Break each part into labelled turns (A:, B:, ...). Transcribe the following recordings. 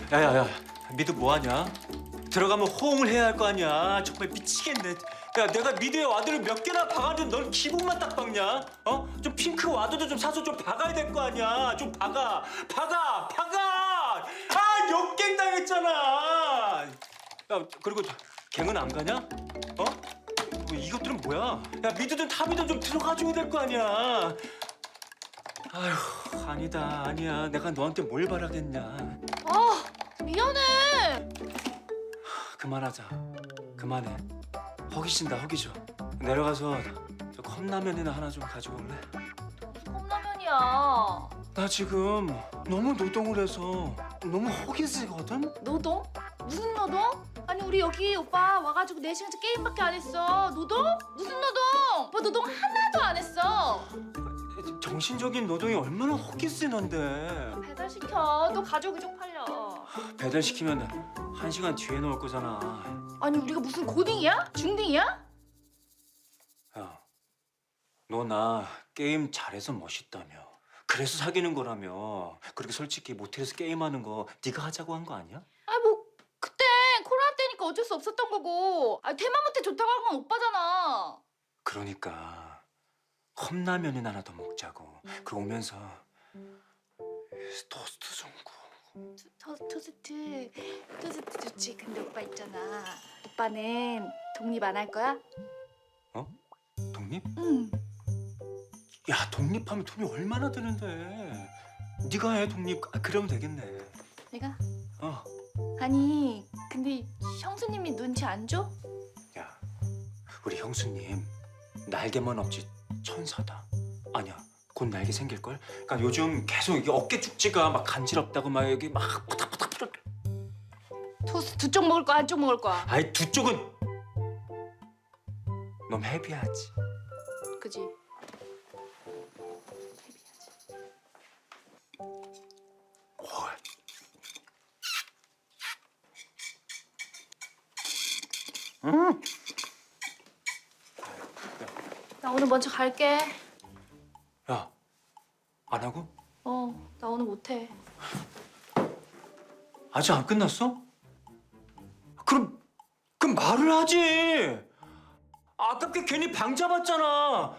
A: 야야야, 미드 뭐하냐? 들어가면 호응을 해야 할 거 아니야. 정말 미치겠네. 야, 내가 미드에 와드를 몇 개나 박았는데 넌 기분만 딱 박냐? 어? 좀 핑크 와드도 좀 사서 좀 박아야 될 거 아니야. 좀 박아. 아, 역갱 당했잖아. 야, 그리고 갱은 안 가냐? 어? 이것들은 뭐야? 야, 미드든 탑이든 좀 들어가줘야 될 거 아니야. 아휴, 아니야. 내가 너한테 뭘 바라겠냐.
B: 아, 미안해.
A: 그만하자. 그만해. 허기진다, 허기져. 내려가서 저 컵라면이나 하나 좀 가져올래?
B: 컵라면이야.
A: 나 지금 너무 노동을 해서 너무 허기지거든?
B: 노동? 무슨 노동? 아니 우리 여기 오빠 와가지고 4시간째 게임밖에 안 했어. 노동? 무슨 노동? 오빠 노동 하나도 안 했어.
A: 정신적인 노동이 얼마나 허기지는데.
B: 배달시켜. 또 가족이 쪽팔려.
A: 배달시키면 1시간 뒤에 나올 거잖아.
B: 아니 우리가 무슨 고딩이야? 중딩이야?
A: 야, 너 나 게임 잘해서 멋있다며. 그래서 사귀는 거라며. 그렇게 솔직히 모텔에서 게임하는 거 네가 하자고 한 거 아니야?
B: 아 뭐 그때 코로나 때니까 어쩔 수 없었던 거고. 아 대만 모텔 좋다고 한 건 오빠잖아.
A: 그러니까 컵라면이나 하나 더 먹자고. 그 오면서 토스트 좀 구워.
B: 토스트 좋지. 근데 오빠 있잖아. 오빠는 독립 안 할 거야?
A: 어? 독립?
B: 응.
A: 야, 독립하면 돈이 얼마나 드는데. 네가 해, 독립. 아, 그러면 되겠네.
B: 내가?
A: 어.
B: 아니 근데 형수님이 눈치 안 줘?
A: 야, 우리 형수님 날개만 없지 천사다. 아니야, 곧 날개 생길걸? 그러니까 요즘 계속 이게 어깨 축지가 막 간지럽다고 막 여기 막 푸닥푸닥
B: 토스트 두 쪽 먹을 거야 한 쪽 먹을 거야?
A: 아이, 두 쪽은 너무 헤비하지.
B: 그지?
A: 헐.
B: 나 오늘 먼저 갈게.
A: 야, 안 하고?
B: 나 오늘 못해.
A: 아직 안 끝났어? 그럼 말을 하지. 아깝게 괜히 방 잡았잖아.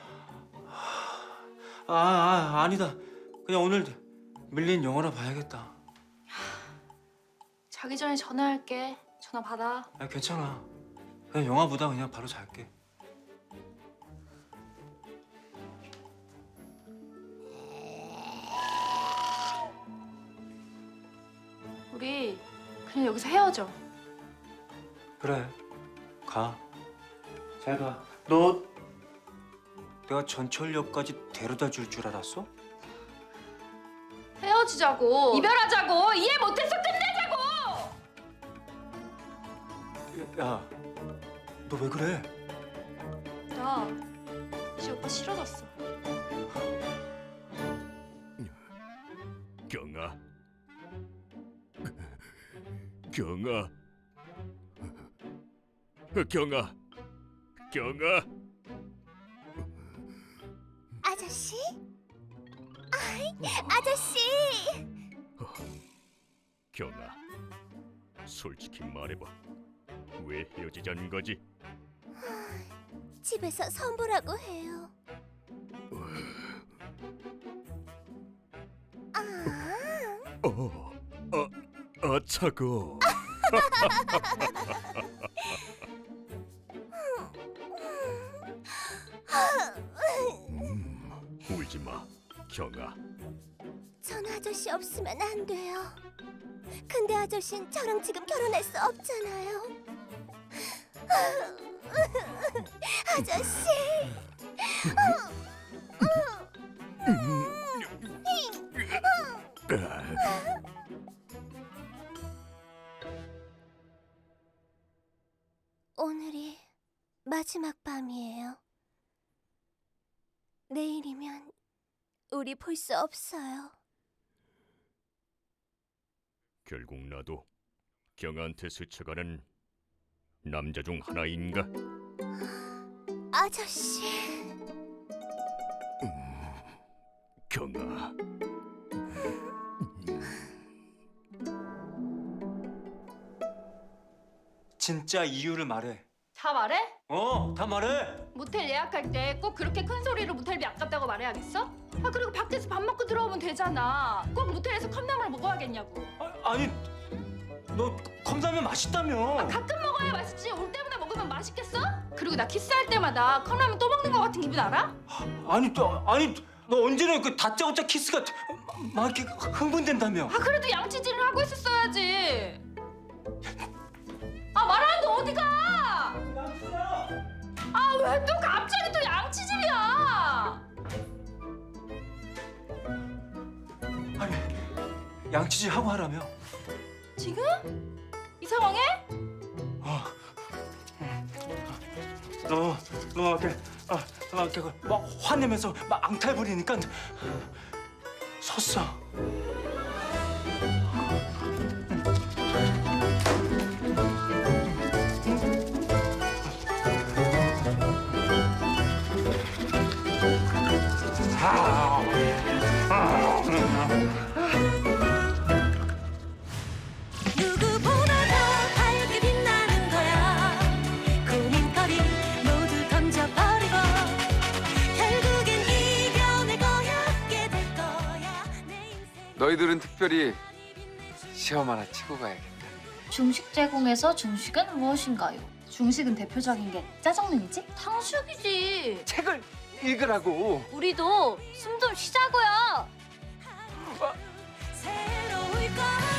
A: 아니다. 그냥 오늘 밀린 영화나 봐야겠다.
B: 자기 전에 전화할게. 전화 받아.
A: 야, 괜찮아. 그냥 영화 보다 그냥 바로 잘게.
B: 우리 그냥 여기서 헤어져.
A: 그래. 가. 잘 가. 너 내가 전철역까지 데려다 줄 줄 알았어?
B: 헤어지자고. 이별하자고. 이해 못해서 끝내자고.
A: 야, 너 왜 그래?
B: 나 이제 오빠 싫어졌어.
C: 경아, 경아, 경아.
D: 아저씨? 아저씨!
C: 경아, 솔직히 말해봐. 왜 헤어지자는 거지?
D: 집에서 선보라고 해요.
C: 차고. 울지 마, 경아.
D: 전 아저씨 없으면 안 돼요. 근데 아저씨는 저랑 지금 결혼할 수 없잖아요. 아저씨! 오늘이 마지막 밤이에요. 내일이면 우리 볼 수 없어요.
C: 결국 나도 경아한테 스쳐가는 남자 중 하나인가?
D: 아저씨.
C: 경아.
A: 진짜 이유를 말해.
B: 다 말해?
A: 다 말해.
B: 모텔 예약할 때 꼭 그렇게 큰 소리로 모텔비 아깝다고 말해야겠어? 아 그리고 밖에서 밥 먹고 들어오면 되잖아. 꼭 모텔에서 컵라면을 먹어야겠냐고.
A: 아니, 너 컵라면 맛있다며.
B: 가끔 먹어야 맛있지. 올 때마다 먹으면 맛있겠어? 그리고 나 키스할 때마다 컵라면 또 먹는 거 같은 기분 알아?
A: 아니, 너 언제나 그 다짜고짜 키스가 막 이렇게 흥분된다며.
B: 아 그래도 양치질을 하고 있었어야지. 아 말하는데 어디가? 아 왜 또 갑자기 또 양치질이야?
A: 아니, 양치질 하고 하라며.
B: 지금? 이 상황에?
A: 너 이렇게 막 화내면서 막 앙탈 부리니까 섰어.
D: 누구보다 더 밝게 빛나는 거야. 고민거리 모두 던져버리고 결국엔 이겨내고야게 될 거야. 내 인생
E: 너희들은 특별히 시험 하나 치고 가야겠다.
F: 중식 제공에서 중식은 무엇인가요? 중식은 대표적인 게 짜장면이지?
B: 탕수육이지.
E: 책을 읽으라고.
F: 우리도 숨 좀 쉬자고요.
D: 새로울 거야.